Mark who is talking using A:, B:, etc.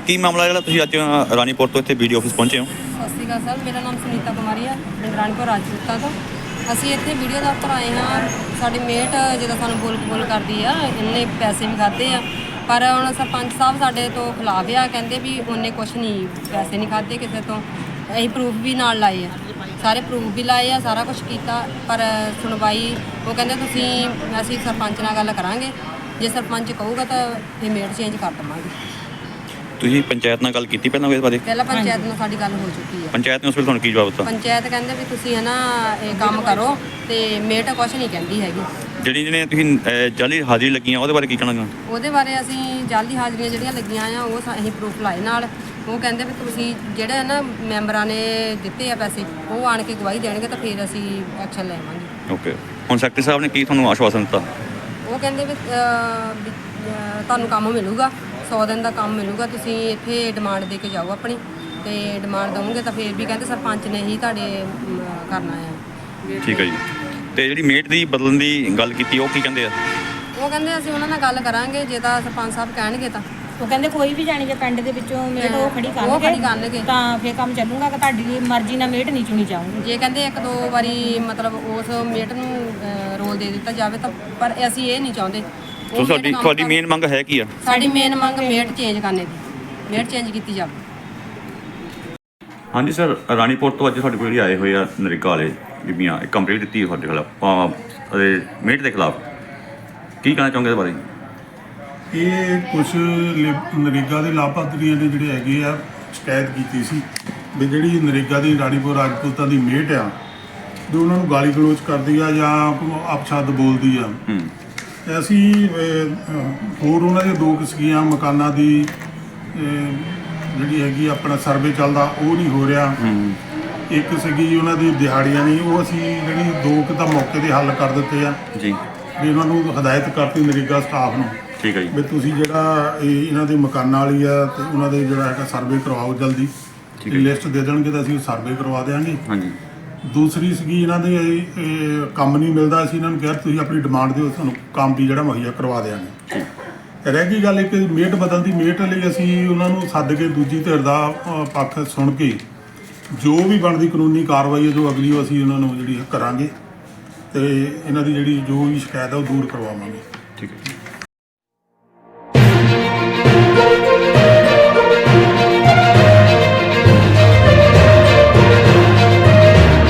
A: ਕੀ ਮਾਮਲਾ ਜਿਹੜਾ ਤੁਸੀਂ ਅੱਜ ਰਾਣੀਪੁਰ ਤੋਂ ਇੱਥੇ BDO ਆਫਿਸ ਪਹੁੰਚੇ ਹੋ?
B: ਸਤਿ ਸ਼੍ਰੀ ਅਕਾਲ ਸਰ, ਮੇਰਾ ਨਾਮ ਸੁਨੀਤਾ ਕੁਮਾਰੀ ਹੈ, ਪਿੰਡ ਰਾਣੀਪੁਰ ਰਾਜਪੂਤਾਂ ਤੋਂ। ਅਸੀਂ ਇੱਥੇ ਵੀਡੀਓ ਦਫ਼ਤਰ ਆਏ ਹਾਂ। ਸਾਡੀ ਮੇਟ ਜਦੋਂ ਸਾਨੂੰ ਬੋਲ ਕਰਦੀ ਆ, ਇਹਨੇ ਪੈਸੇ ਵੀ ਖਾਧੇ ਆ, ਪਰ ਹੁਣ ਸਰਪੰਚ ਸਾਹਿਬ ਸਾਡੇ ਤੋਂ ਖਿਲਾਫ ਆ, ਕਹਿੰਦੇ ਵੀ ਉਹਨੇ ਕੁਛ ਨਹੀਂ ਪੈਸੇ ਨਹੀਂ ਖਾਧੇ ਕਿਸੇ ਤੋਂ। ਅਸੀਂ ਪ੍ਰੂਫ ਵੀ ਨਾਲ ਲਾਏ ਆ, ਸਾਰੇ ਪ੍ਰੂਫ ਵੀ ਲਾਏ ਆ, ਸਾਰਾ ਕੁਛ ਕੀਤਾ, ਪਰ ਸੁਣਵਾਈ ਉਹ ਕਹਿੰਦੇ ਅਸੀਂ ਸਰਪੰਚ ਨਾਲ ਗੱਲ ਕਰਾਂਗੇ, ਜੇ ਸਰਪੰਚ ਕਹੂਗਾ ਤਾਂ ਫਿਰ ਮੇਟ ਚੇਂਜ ਕਰ ਦੇਵਾਂਗੇ।
A: ਤੁਸੀਂ ਪੰਚਾਇਤ ਨਾਲ ਗੱਲ ਕੀਤੀ ਪਹਿਲਾਂ ਇਸ ਬਾਰੇ?
B: ਪਹਿਲਾਂ ਪੰਚਾਇਤ ਨਾਲ ਸਾਡੀ ਗੱਲ ਹੋ ਚੁੱਕੀ ਹੈ।
A: ਪੰਚਾਇਤ ਨੇ ਉਸ ਵੇਲੇ ਤੁਹਾਨੂੰ ਕੀ ਜਵਾਬ ਦਿੱਤਾ?
B: ਪੰਚਾਇਤ ਕਹਿੰਦੇ ਵੀ ਤੁਸੀਂ ਹੈ ਨਾ ਇਹ ਕੰਮ ਕਰੋ, ਤੇ ਮੇਟ ਕੁਛ ਨਹੀਂ ਕਹਿੰਦੀ ਹੈਗੀ।
A: ਜਿਹਨੇ ਤੁਸੀਂ ਜਾਲੀ ਹਾਜ਼ਰੀ ਲੱਗੀਆਂ ਉਹਦੇ ਬਾਰੇ ਕੀ ਕਹਿਣਾ?
B: ਉਹਦੇ ਬਾਰੇ ਅਸੀਂ ਜਾਲੀ ਹਾਜ਼ਰੀਆਂ ਜਿਹੜੀਆਂ ਲੱਗੀਆਂ ਆ ਉਹ ਅਸੀਂ ਪ੍ਰੂਫ ਲਾਏ ਨਾਲ। ਉਹ ਕਹਿੰਦੇ ਵੀ ਤੁਸੀਂ ਜਿਹੜੇ ਨਾ ਮੈਂਬਰਾਂ ਨੇ ਦਿੱਤੇ ਆ ਪੈਸੇ, ਉਹ ਆਣ ਕੇ ਗਵਾਹੀ ਦੇਣਗੇ ਤਾਂ ਫਿਰ ਅਸੀਂ ਐਕਸ਼ਨ ਲੈਵਾਂਗੇ।
A: ਓਕੇ, ਹੁਣ ਸੈਕਟਰੀ ਸਾਹਿਬ ਨੇ ਕੀ ਤੁਹਾਨੂੰ ਆਸ਼ਵਾਸਨ ਦਿੱਤਾ?
B: ਉਹ ਕਹਿੰਦੇ ਵੀ ਤੁਹਾਨੂੰ ਕੰਮ ਮਿਲੂਗਾ, 100 ਦਿਨ ਦਾ ਕੰਮ ਮਿਲੂਗਾ, ਤੁਸੀਂ ਇੱਥੇ ਡਿਮਾਂਡ ਦੇ ਕੇ ਜਾਓ ਆਪਣੀ, ਤੇ ਡਿਮਾਂਡ ਦਵੋਗੇ ਤਾਂ ਫਿਰ ਵੀ ਕਹਿੰਦੇ ਸਰਪੰਚ ਨੇ ਹੀ ਤੁਹਾਡੇ ਕਰਨਾ ਆ।
A: ਠੀਕ ਹੈ ਜੀ। ਤੇ ਜਿਹੜੀ ਮੇਟ ਦੀ ਬਦਲਣ ਦੀ ਗੱਲ ਕੀਤੀ ਉਹ ਕੀ ਕਹਿੰਦੇ ਆ?
B: ਉਹ ਕਹਿੰਦੇ ਅਸੀਂ ਉਹਨਾਂ ਨਾਲ ਗੱਲ ਕਰਾਂਗੇ, ਜੇ ਤਾਂ ਸਰਪੰਚ ਸਾਹਿਬ ਕਹਿਣਗੇ ਤਾਂ।
C: ਉਹ ਕਹਿੰਦੇ ਕੋਈ ਵੀ ਜਾਣੀ ਜੇ ਪਿੰਡ ਦੇ ਵਿੱਚੋਂ ਮੇਟ ਉਹ ਖੜੀ ਕਰਨਗੇ ਤਾਂ ਫਿਰ ਕੰਮ ਚੱਲੂਗਾ, ਕਿ ਤੁਹਾਡੀ ਮਰਜ਼ੀ ਨਾਲ ਮੇਟ ਨਹੀਂ ਚੁਣੀ ਜਾਊਗੀ।
B: ਜੇ ਕਹਿੰਦੇ 1-2 ਵਾਰੀ ਮਤਲਬ ਉਸ ਮੇਟ ਨੂੰ ਰੋਲ ਦੇ ਦਿੱਤਾ ਜਾਵੇ ਤਾਂ, ਪਰ ਅਸੀਂ ਇਹ ਨਹੀਂ ਚਾਹੁੰਦੇ।
A: ਸੋ ਤੁਹਾਡੀ ਮੇਨ ਮੰਗ ਹੈ ਕੀ ਆ?
B: ਸਾਡੀ ਮੇਨ ਮੰਗ ਮੇਟ ਚੇਂਜ ਕਰਨੇ ਦੀ, ਮੇਟ ਚੇਂਜ ਕੀਤੀ ਜਾਵੇ।
A: ਹਾਂਜੀ ਸਰ, ਰਾਣੀਪੁਰ ਤੋਂ ਅੱਜ ਸਾਡੇ ਕੋਲ ਜਿਹੜੇ ਆਏ ਹੋਏ ਆ ਨਰੇਗਾ ਵਾਲੇ ਬੀਬੀਆਂ, ਇੱਕ ਕੰਪਲੇਂਟ ਦਿੱਤੀ ਤੁਹਾਡੇ ਖਿਲਾਫ ਅਤੇ ਮੇਟ ਦੇ ਖਿਲਾਫ, ਕੀ ਕਹਿਣਾ ਚਾਹੋਗੇ ਇਸ ਬਾਰੇ?
D: ਇਹ ਕੁਝ ਨਰੇਗਾ ਦੇ ਲਾਭਪਾਤਰੀਆਂ ਦੇ ਜਿਹੜੇ ਹੈਗੇ ਆ ਸ਼ਿਕਾਇਤ ਕੀਤੀ ਸੀ ਵੀ ਜਿਹੜੀ ਨਰੇਗਾ ਦੀ ਰਾਣੀਪੁਰ ਰਾਜਪੂਤਾਂ ਦੀ ਮੇਟ ਆ, ਵੀ ਉਹਨਾਂ ਨੂੰ ਗਾਲੀ ਗਲੋਚ ਕਰਦੀ ਆ ਜਾਂ ਅਪਸ਼ਬਦ ਬੋਲਦੀ ਆ। ਅਸੀਂ ਹੋਰ ਉਹਨਾਂ ਦੀਆਂ 2 ਕਿਸਮੀਆਂ ਮਕਾਨਾਂ ਦੀ ਜਿਹੜੀ ਹੈਗੀ ਆਪਣਾ ਸਰਵੇ ਚੱਲਦਾ ਉਹ ਨਹੀਂ ਹੋ ਰਿਹਾ। ਇੱਕ ਸੀਗੀ ਉਹਨਾਂ ਦੀ ਦਿਹਾੜੀਆਂ ਨਹੀਂ, ਉਹ ਅਸੀਂ ਜਿਹੜੀ 2 ਤਾਂ ਮੌਕੇ 'ਤੇ ਹੱਲ ਕਰ ਦਿੱਤੇ ਆ
A: ਜੀ,
D: ਵੀ ਉਹਨਾਂ ਨੂੰ ਹਦਾਇਤ ਕਰਤੀ ਨਰੇਗਾ ਸਟਾਫ ਨੂੰ।
A: ਠੀਕ ਹੈ ਜੀ।
D: ਵੀ ਤੁਸੀਂ ਜਿਹੜਾ ਇਹਨਾਂ ਦੇ ਮਕਾਨਾਂ ਵਾਲੀ ਆ ਤੇ ਉਹਨਾਂ ਦੇ ਜਿਹੜਾ ਹੈਗਾ ਸਰਵੇ ਕਰਵਾਓ ਜਲਦੀ, ਲਿਸਟ ਦੇ ਦੇਣਗੇ ਤਾਂ ਅਸੀਂ ਸਰਵੇ ਕਰਵਾ ਦੇਵਾਂਗੇ।
A: ਹਾਂਜੀ।
D: ਦੂਸਰੀ ਸੀਗੀ ਇਹਨਾਂ ਦੇ ਕੰਮ ਨਹੀਂ ਮਿਲਦਾ, ਅਸੀਂ ਇਹਨਾਂ ਨੂੰ ਕਿਹਾ ਤੁਸੀਂ ਆਪਣੀ ਡਿਮਾਂਡ ਦਿਓ, ਤੁਹਾਨੂੰ ਕੰਮ ਵੀ ਜਿਹੜਾ ਮੁਹੱਈਆ ਕਰਵਾ ਦੇਵਾਂਗੇ। ਰਹਿ ਗਈ ਗੱਲ ਇੱਕ ਮੇਟ ਬਦਲਣ ਦੀ, ਮੇਟ ਲਈ ਅਸੀਂ ਉਹਨਾਂ ਨੂੰ ਸੱਦ ਕੇ ਦੂਜੀ ਧਿਰ ਦਾ ਪੱਖ ਸੁਣ ਕੇ ਜੋ ਵੀ ਬਣਦੀ ਕਾਨੂੰਨੀ ਕਾਰਵਾਈ ਹੈ ਜੋ ਅਗਲੀ ਉਹ ਅਸੀਂ ਉਹਨਾਂ ਨੂੰ ਜਿਹੜੀ ਕਰਾਂਗੇ, ਤੇ ਇਹਨਾਂ ਦੀ ਜਿਹੜੀ ਜੋ ਵੀ ਸ਼ਿਕਾਇਤ ਹੈ ਉਹ ਦੂਰ ਕਰਵਾਵਾਂਗੇ।
A: ਠੀਕ ਹੈ।